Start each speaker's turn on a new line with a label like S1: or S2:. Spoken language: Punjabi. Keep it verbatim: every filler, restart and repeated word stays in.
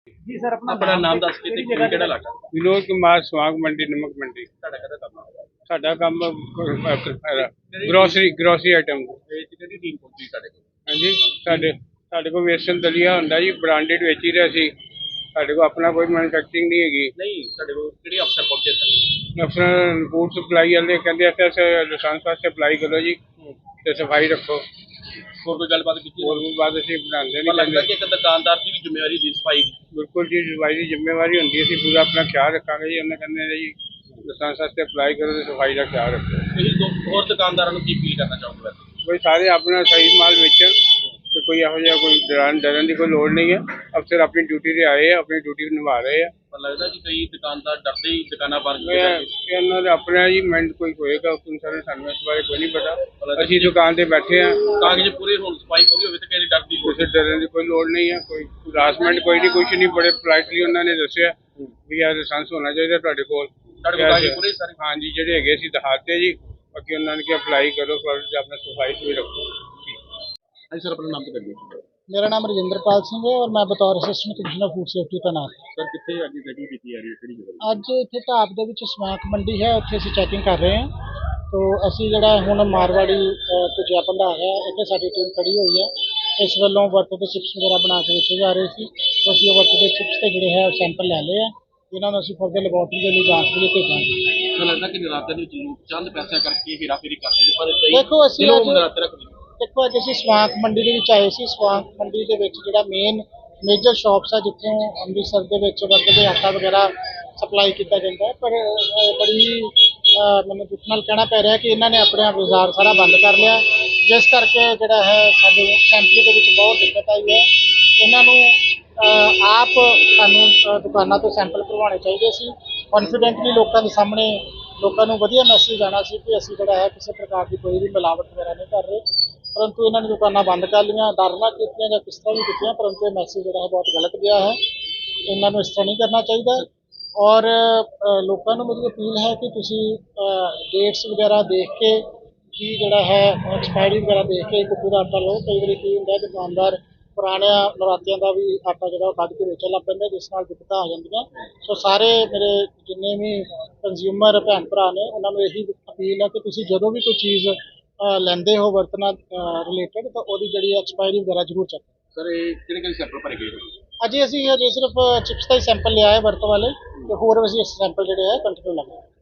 S1: ਜੀ ਸਰ ਆਪਣਾ
S2: ਆਪਣਾ
S1: ਨਾਮ
S2: ਨਾਮ
S1: ਤੇ
S2: ਦੱਸ ਕੇ ਤੇ
S1: ਕਿਹੜੀ ਜਗ੍ਹਾ
S2: ਕਿਹੜਾ ਇਲਾਕਾ
S3: विनोद कुमार स्वाग मंडी नमक मंडी।
S2: ਤੁਹਾਡਾ ਕਿਹੜਾ ਕੰਮ ਹੈ
S3: साडा काम ग्रोसरी ग्रोसरी आइटम।
S2: ਇਹ ਕਿਹੜੀ ਟੀਮ ਪਹੁੰਚੀ ਤੁਹਾਡੇ ਕੋਲ
S3: हाँ जी साडे साडे को वेस्टर्न दलिया हुंदा जी ब्रांडेड वेच ही रहे सी। साडे को अपना कोई मैन्युफैक्चरिंग नहीं हैगी।
S2: ਨਹੀਂ ਤੁਹਾਡੇ ਕੋਲ ਕਿਹੜੇ ਅਫਸਰ ਪਹੁੰਚੇ ਸਨ
S3: अफसर फूड सप्लाई वाले कहते अस लाइसेंस वास्ते अप्लाई करो जी ते सफाई रखो।
S2: ਹੋਰ ਕੋਈ ਗੱਲਬਾत ਕੀਤੀ
S3: और भी बात असीं बनांदे
S2: ਪਰ ਲੱਗਦਾ
S3: नहीं।
S2: ਕਿ ਇੱਕ ਦੁਕਾਨਦਾਰ ਦੀ ਵੀ ਜ਼ਿੰਮੇਵਾਰੀ ਦੀ ਸਫਾਈ ਦੀ
S3: बिल्कुल जी सफाई की जिम्मेवारी होंदी असीं पूरा अपना ख्याल रखांगे जी। उन्हें कहंदे ने जी लाइसेंस वास्ते अप्लाई करो ते सफाई का ख्याल रखो।
S2: ਤੁਸੀਂ ਦੋ ਹੋਰ ਦੁਕਾਨਦਾਰਾਂ ਨੂੰ ਕੀ ਅਪੀਲ ਕਰਨਾ ਚਾਹੋਗੇ ਵੈਸੇ
S3: कोई सारे अपना सही माल बेचन तो कोई ਇਹੋ ਜਿਹਾ ਕੋਈ ਡਰਨ ਡਰਨ ਦੀ ਕੋਈ ਲੋੜ ਨਹੀਂ ਹੈ। ਅਫਸਰ ਆਪਣੀ ਡਿਊਟੀ ਤੇ ਆਏ ਆ, ਆਪਣੀ ਡਿਊਟੀ ਨਿਭਾ ਰਹੇ ਆ।
S2: ਪਰ ਲੱਗਦਾ ਕਿ ਕਈ ਦੁਕਾਨਦਾਰ ਡਰਦੇ ਹੀ ਦੁਕਾਨਾਂ ਬੰਦ
S3: ਇਹ
S2: ਕਰਦੇ
S3: ਇਹ ਇਹਨਾਂ ਦਾ ਆਪਣਾ ਜੀ ਮਾਈਂਡ ਕੋਈ ਹੋਏਗਾ ਉਸ ਸਾਰੇ ਸਾਨੂੰ ਇਸ ਬਾਰੇ ਕੋਈ ਨਹੀਂ ਪਤਾ। ਅਸੀਂ ਦੁਕਾਨ ਤੇ ਬੈਠੇ ਆ।
S2: ਕਾਗਜ਼ ਪੂਰੇ ਹੋਣ ਸਫਾਈ ਪੂਰੀ ਹੋਵੇ ਤਾਂ ਕਿਸੇ ਡਰ ਦੀ ਲੋੜ
S3: ਕਿਸੇ ਡਰਨ ਦੀ ਕੋਈ ਲੋੜ ਨਹੀਂ ਹੈ। ਕੋਈ ਹਰਾਸਮੈਂਟ ਕੋਈ ਨਹੀਂ, ਕੁਛ ਨਹੀਂ। ਬੜੇ ਪੋਲਾਈਟਲੀ ਉਹਨਾਂ ਨੇ ਦੱਸਿਆ ਵੀ ਇਹ ਲਾਇਸੈਂਸ ਹੋਣਾ ਚਾਹੀਦਾ ਤੁਹਾਡੇ ਕੋਲ।
S2: ਤੁਹਾਡੇ ਕੋਲ ਕਾਗਜ਼ ਪੂਰੇ ਸਾਰੇ
S3: ਹਾਂਜੀ ਜਿਹੜੇ ਹੈਗੇ ਸੀ ਦਿਖਾਤੇ ਜੀ। ਬਾਕੀ ਉਹਨਾਂ ਨੇ ਕਿ ਅਪਲਾਈ ਕਰੋ ਫਰਜ਼ ਤੇ ਆਪਣਾ ਸਫਾਈ ਵੀ ਰੱਖੋ।
S2: ਹਾਂਜੀ ਸਰ ਆਪਣਾ ਨਾਮ ਤੇ ਕਰੀਏ
S1: मेरा नाम रजिंद्रपाल सिंह है और मैं बतौर असिस्टेंट कमिश्नर फूड सेफ्टी तैनात ਹਾਂ।
S2: ਸਰ ਕਿੱਥੇ ਅੱਜ ਚੈਕਿੰਗ ਕੀਤੀ ਜਾ ਰਹੀ ਹੈ ਕਿਹੜੀ ਜਗ੍ਹਾ
S1: ਅੱਜ ਇੱਥੇ ਢਾਬ ਦੇ ਵਿੱਚ ਸਮਾਕ ਮੰਡੀ ਹੈ, ਉੱਥੇ ਅਸੀਂ ਚੈਕਿੰਗ ਕਰ ਰਹੇ ਹਾਂ। ਤੋ ਅਸੀਂ ਜਿਹੜਾ ਹੁਣ ਮਾਰਵਾੜੀ ਭੁਜਿਆ ਭੰਡਾਰ ਹੈ, ਇੱਥੇ ਸਾਡੀ ਟੀਮ ਖੜੀ ਹੋਈ ਹੈ। ਇਸ ਵੱਲੋਂ ਵਰਤ ਦੇ ਚਿਪਸ ਵਗੈਰਾ ਬਣਾ ਕੇ ਵੇਚੇ ਜਾ ਰਹੇ ਸੀ। ਤੋ ਅਸੀਂ ਉਹ ਵਰਤ ਦੇ ਚਿਪਸ ਤੇ ਜਿਹੜੇ ਹੈ ਸੈਂਪਲ ਲੈ ਲਏ ਆ। ਇਹਨਾਂ ਨੂੰ ਅਸੀਂ ਫਰਦਰ ਲੈਬੋਰਟਰੀ ਦੇ ਲਈ ਜਾਂਚ ਦੇ ਲਈ ਭੇਜਾਂਗੇ।
S2: ਮੈਨੂੰ ਲੱਗਦਾ ਕਿ ਨਰਾਤੇ ਦੇ ਵਿੱਚ ਲੋਕ ਚੰਦ ਪੈਸਿਆਂ ਕਰਕੇ ਹੇਰਾਫੇਰੀ ਕਰਦੇ ਨੇ ਪਰ ਕਈ
S1: ਦੇਖੋ ਅਸੀਂ
S2: ਦਿਲੋਂ
S1: ਅੱਜ
S2: ਨਰਾਤੇ ਰੱਖਦੇ ਨੇ
S1: ਦੇਖੋ ਅੱਜ ਅਸੀਂ ਸਵਾਂਕ ਮੰਡੀ ਦੇ ਵਿੱਚ ਆਏ ਸੀ। ਸਵਾਂਕ ਮੰਡੀ ਦੇ ਵਿੱਚ ਜਿਹੜਾ ਮੇਨ ਮੇਜਰ ਸ਼ਾਪਸ ਆ ਜਿੱਥੋਂ ਅੰਮ੍ਰਿਤਸਰ ਦੇ ਵਿੱਚ ਵਰਤ ਦੇ ਆਟਾ ਵਗੈਰਾ ਸਪਲਾਈ ਕੀਤਾ ਜਾਂਦਾ ਹੈ, ਪਰ ਅਹ, ਬੜੀ ਅਹ, ਮੈਨੂੰ ਦੁੱਖ ਨਾਲ ਕਹਿਣਾ ਪੈ ਰਿਹਾ ਕਿ ਇਹਨਾਂ ਨੇ ਆਪਣੇ ਬਾਜ਼ਾਰ ਸਾਰਾ ਬੰਦ ਕਰ ਲਿਆ, ਜਿਸ ਕਰਕੇ ਜਿਹੜਾ ਹੈ ਸਾਡੇ ਸੈਂਪਲਿੰਗ ਦੇ ਵਿੱਚ ਬਹੁਤ ਦਿੱਕਤ ਆਈ ਹੈ। ਇਹਨਾਂ ਨੂੰ ਅਹ, ਆਪ ਸਾਨੂੰ ਅਹ, ਦੁਕਾਨਾਂ ਤੋਂ ਸੈਂਪਲ ਭਰਵਾਉਣੇ ਚਾਹੀਦੇ ਸੀ। ਕੌਨਫੀਡੈਂਟਲੀ ਲੋਕਾਂ ਦੇ ਸਾਹਮਣੇ ਲੋਕਾਂ ਨੂੰ ਵਧੀਆ ਮੈਸੇਜ ਆਉਣਾ ਸੀ ਕਿ ਅਸੀਂ ਜਿਹੜਾ ਹੈ ਕਿਸੇ ਪ੍ਰਕਾਰ ਦੀ ਕੋਈ ਵੀ ਮਿਲਾਵਟ ਵਗੈਰਾ ਨਹੀਂ ਕਰ ਰਹੇ, ਪਰੰਤੂ ਇਹਨਾਂ ਨੇ ਦੁਕਾਨਾਂ ਬੰਦ ਕਰ ਲਈਆਂ। ਡਰ ਨਾਲ ਕੀਤੀਆਂ ਜਾਂ ਕਿਸ ਤਰ੍ਹਾਂ ਵੀ ਕੀਤੀਆਂ, ਪਰੰਤੂ ਇਹ ਮੈਸੇਜ ਜਿਹੜਾ ਹੈ ਬਹੁਤ ਗਲਤ ਗਿਆ ਹੈ। ਇਹਨਾਂ ਨੂੰ ਇਸ ਤਰ੍ਹਾਂ ਨਹੀਂ ਕਰਨਾ ਚਾਹੀਦਾ। ਔਰ ਅ, ਲੋਕਾਂ ਨੂੰ ਮੇਰੀ ਅਪੀਲ ਹੈ ਕਿ ਤੁਸੀਂ ਡੇਟਸ ਵਗੈਰਾ ਦੇਖ ਕੇ ਕੀ ਜਿਹੜਾ ਹੈ ਐਕਸਪਾਇਰੀ ਵਗੈਰਾ ਦੇਖ ਕੇ ਕੁੱਕੂ ਦਾ ਆਟਾ ਲਓ। ਕਈ ਵਾਰੀ ਕੀ ਹੁੰਦਾ ਦੁਕਾਨਦਾਰ ਪੁਰਾਣਿਆਂ ਨਰਾਤਿਆਂ ਦਾ ਵੀ ਆਟਾ ਜਿਹੜਾ ਉਹ ਕੱਢ ਕੇ ਵੇਚਣ ਲੱਗ ਪੈਂਦਾ, ਜਿਸ ਨਾਲ ਦਿੱਕਤਾਂ ਆ ਜਾਂਦੀਆਂ। ਸੋ ਸਾਰੇ ਮੇਰੇ ਜਿੰਨੇ ਵੀ ਕੰਜ਼ਿਊਮਰ ਭੈਣ ਭਰਾ ਨੇ ਉਹਨਾਂ ਨੂੰ ਇਹੀ ਅਪੀਲ ਹੈ ਕਿ ਤੁਸੀਂ ਜਦੋਂ ਵੀ ਕੋਈ ਚੀਜ਼ ਅ, ਲੈਂਦੇ ਹੋ ਵਰਤਣਾ ਰਿਲੇਟਡ ਤਾਂ ਉਹਦੀ ਜਿਹੜੀ ਐਕਸਪਾਇਰੀ ਵਗੈਰਾ ਜ਼ਰੂਰ ਚੈੱਕ ਕਰੋ।
S2: ਸਰ ਇਹ ਕਿਹੜੇ ਕਿਹੜੇ ਸੈਂਪਲ ਭਰੇ ਗਏ
S1: ਅਜੇ ਅਸੀਂ ਅਜੇ ਸਿਰਫ ਚਿਪਸ ਦਾ ਹੀ ਸੈਂਪਲ ਲਿਆ ਹੈ ਵਰਤ ਵਾਲੇ, ਤੇ ਹੋਰ ਅਸੀਂ ਸੈਂਪਲ ਜਿਹੜੇ ਹੈ ਕੰਟੀਨਿਊ ਲਗਾਏ।